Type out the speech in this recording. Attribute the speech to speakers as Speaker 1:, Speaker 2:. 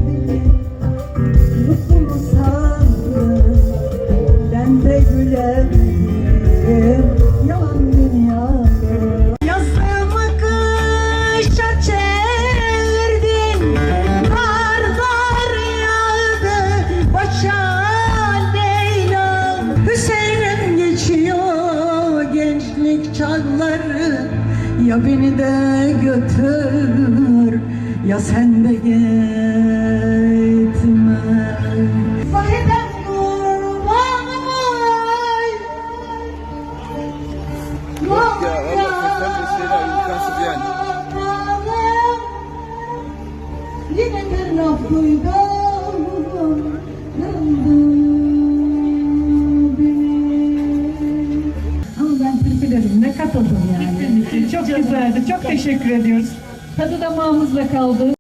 Speaker 1: Mutlu sandım, ben de gülemedim yalan dünyada. Yazımı kışa çevirdin, kar kar yağdı başa Leyla. Hüseyin'im geçiyor gençlik çağları, ya beni de götür ya sen de gitme. Sahiden kurban oy.
Speaker 2: Yok ya, Allah sen de şeyler imkansız yani.
Speaker 1: Yine bir laf duydum, yandı beni. Ama ben türkülerime katıldım yani.
Speaker 3: Çok güzeldi. Çok teşekkür ediyoruz. Tadı damağımızda kaldı.